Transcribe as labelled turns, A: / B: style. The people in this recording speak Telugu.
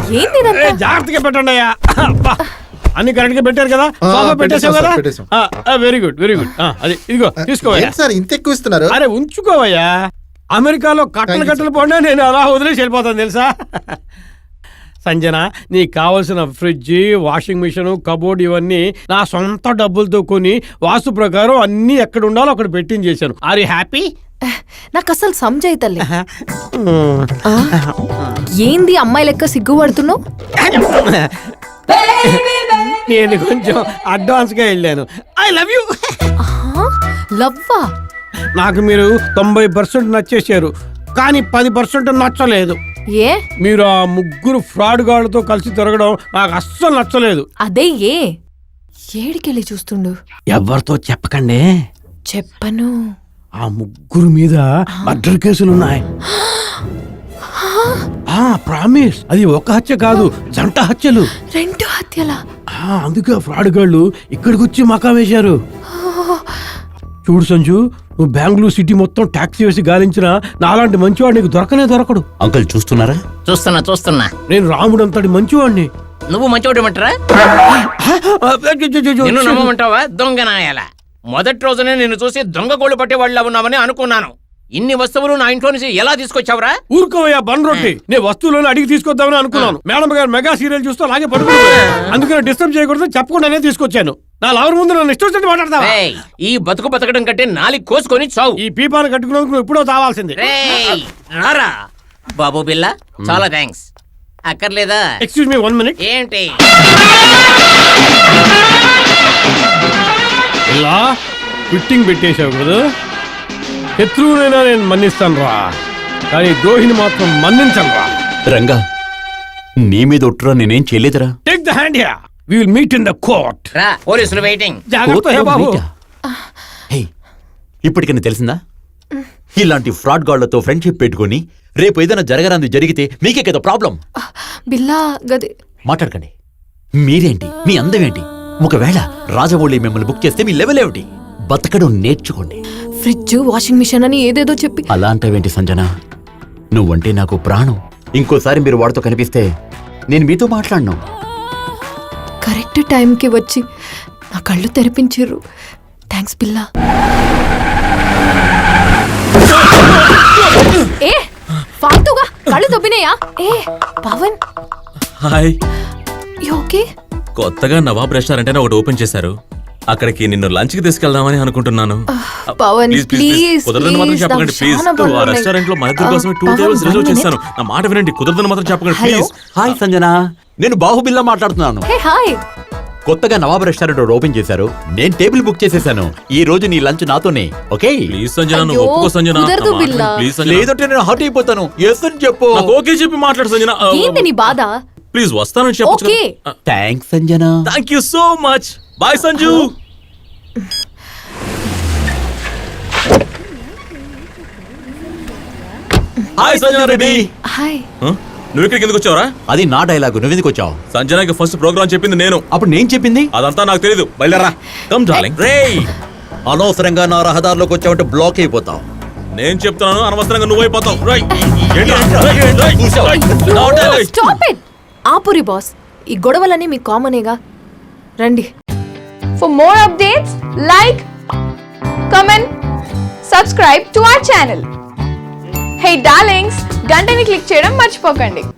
A: ఏంది ఇదంతా?
B: జాగ్రత్తగా పెట్టండి అయ్యా. అన్ని కరెక్ట్ గా పెట్టారు కదా? పెట్టేసావు కదా? Very good very good. అది ఇదిగో తీసుకోవయ్యా.
C: సార్ ఇంత ఎక్కువ ఇస్తున్నారు.
B: అరే ఉంచుకోవయ్యా. అమెరికాలో కట్టలు పోయినా నేను అలా వదిలేసి వెళ్ళిపోతాను తెలుసా. సంజన, నీకు కావలసిన ఫ్రిడ్జ్, వాషింగ్ మిషన్, కబోర్డ్ ఇవన్నీ నా సొంత డబ్బులతో కొని వాస్తు ప్రకారం అన్ని ఎక్కడ ఉండాలో అక్కడ పెట్టించేశాను. Are you happy?
A: నాకు అసలు సంజయితలే. ఏంది అమ్మాయి లెక్క సిగ్గుపడుతున్నావు?
B: నేను కొంచెం అడ్వాన్స్ గా వెళ్ళాను. I love you.
A: లవ్వా?
B: నాకు మీరు 90% నచ్చేసారు, కానీ 10% నచ్చలేదు.
A: ఏ?
B: మీరు ఆ ముగ్గురు ఫ్రాడ్ గాళ్ళతో కలిసి తిరగడం నాకు అస్సలు నచ్చలేదు.
A: అదే ఏ? ఏడికెళ్ళి చూస్తుండు?
B: ఎవరితో చెప్పకండి.
A: చెప్పను.
B: ఆ ముగ్గురు మీద మర్డర్ కేసులున్నాయి. ప్రామిస్. అది ఒక హత్య కాదు, జంట హత్యలు.
A: 2 హత్యలా?
B: అందుకే ఫ్రాడ్ గాళ్ళు ఇక్కడికి వచ్చి మకాం వేశారు. చూడు సంజు, నువ్వు బెంగళూరు సిటీ మొత్తం టాక్సీ వేసి గాలించినా నాలాంటి మంచివాడు నీకు దొరకనే దొరకడు.
D: అంకుల్ చూస్తున్నారా?
E: చూస్తున్నా.
B: నేను రాముడు అంతటి మంచివాడిని.
E: నువ్వు మంచివాడు అంటారా? నిన్ను నమ్మమంటావా? దొంగ నాయాల. మొదటి రోజునే నిన్ను చూసి దొంగ గోళ్ళు పట్టేవాళ్ళ ఉన్నామని అనుకున్నాను. ఇన్ని వస్తువులు నా ఇంట్లో నుంచి ఎలా తీసుకొచ్చావురా?
B: ఊరుకోవయ్యా బన్ రొట్టి. నేను వస్తువులను అడిగి తీసుకొద్దామని అనుకున్నాను. మేడం గారు మెగా సీరియల్ చూస్తూ అలాగే పడుకున్నాను. అందుకని డిస్టర్బ్ చేయకూడదు చెప్పకుండానే తీసుకొచ్చాను. నా లవర్ ముందు నన్ను ఇష్టం మాట్లాడతావా?
E: ఈ బతుకు బతకడం కంటే నాలుగు కోసుకొని చావు.
B: ఈ పీపాను కట్టుకున్నందుకు నువ్వు ఎప్పుడో తావాల్సింది.
E: రారా బాబు బిల్ల, చాలా థ్యాంక్స్. అక్కర్లేదా?
B: Excuse me 1 minute.
E: ఏంటి
B: ఇలా ఫిట్టింగ్ పెట్టేశావు కదా? శత్రువునైనా నేను మన్నిస్తాను రా, కానీ ద్రోహిని మాత్రం మన్నించను రా.
D: రంగా, నీ మీద ఒట్టురా నేనేం చేయలేదురా.
B: Take the hand here. We will meet in the court.
E: రా, పోలీసులు వెయిటింగ్.
B: జాగ్రత్త హే బాబు.
D: ఇప్పటికైనా తెలిసిందా? ఇలాంటి ఫ్రాడ్ గాళ్లతో ఫ్రెండ్షిప్ పెట్టుకుని రేపు ఏదైనా జరగరాంది జరిగితే మీకే కదా ప్రాబ్లం.
A: బిల్లా గది
D: మాట్లాడకండి. మీరేంటి, మీ అందమేంటి? ఒకవేళ రాజమౌళి మిమ్మల్ని బుక్ చేస్తే మీ లెవెల్ ఏమిటి? బతకడం నేర్చుకోండి.
A: ఫ్రిడ్జ్, వాషింగ్ మిషన్ అని ఏదేదో చెప్పి
D: అలా అంటావేంటి సంజన? నువ్వంటే నాకు ప్రాణం. ఇంకోసారి మీరు వాడితో కనిపిస్తే నేను మీతో మాట్లాడను.
A: కరెక్ట్ టైంకి వచ్చి నా కళ్ళు తెరిపించారు. థ్యాంక్స్ బిల్లా. ఏ ఫాల్తుగా కళ్ళు దొబ్బినాయా? ఏ పవన్,
F: హాయ్.
A: ఓకే?
F: కొత్తగా నవాబ్ రెస్టారెంట్ అని ఒకటి ఓపెన్ చేశారు. అక్కడికి నిన్ను లంచ్ కి తీసుకెళ్దామని అనుకుంటున్నాను.
A: పవన్ ప్లీజ్,
F: కుదరదని మాత్రం చెప్పకండి ప్లీజ్. ఆ రెస్టారెంట్ లో మన ఇద్దరి కోసం 2 tables రిజర్వ్ చేశాను. నా మాట వినండి, కుదరదని మాత్రం చెప్పకండి ప్లీజ్.
D: హాయ్ సంజన, నేను బాహుబిల్లా మాట్లాడుతున్నాను.
A: Hey hi.
D: కొత్తగా నవాబ్ రెస్టారెంట్ ఓపెన్ చేశారు. నేను టేబుల్ బుక్ చేసేసాను. ఈ రోజు నీ లంచ్ నాతోనే. ఓకే?
F: ప్లీజ్ సంజన, నువ్వు ఒప్పుకో సంజన.
A: కుదరదు బిల్లా.
F: ప్లీజ్ సంజన.
D: లేదంటే నేను హర్ట్ అయిపోతాను. ఎస్ అని చెప్పు.
F: నాకు ఓకే చెప్పి మాట్లాడు సంజన.
A: ఏంది నీ బాధ?
F: ప్లీజ్ వస్తానని చెప్పొచ్చు.
A: Okay.
D: Thanks Sanjana.
F: Thank you so much. Bye Sanju. Hi Sanjana Reddy.
A: Hi.
F: నువ్వు ఇక్కడికి ఎందుకు వచ్చావురా?
D: అది నా డైలాగు. నువ్వెందుకు వచ్చావు?
F: సంజనకి ఫస్ట్ ప్రోగ్రామ్ చెప్పింది నేను.
D: అప్పుడు నేను చెప్పింది
F: అదంతా నాకు తెలీదు. బయలుదేరా. Come darling.
D: రేయ్, అనవసరంగా నా రహదారిలోకి వచ్చావంటే బ్లాక్ అయిపోతావు.
F: నేను చెప్తున్నాను, అనవసరంగా నువ్వు అయిపోతావు.
A: Stop it. ఆపురి బాస్, ఈ గొడవలన్నీ మీ కామనేగా. రండి.
G: For more updates, like, comment, subscribe to our channel. Hey darlings, గంటని click చేయడం మర్చిపోకండి.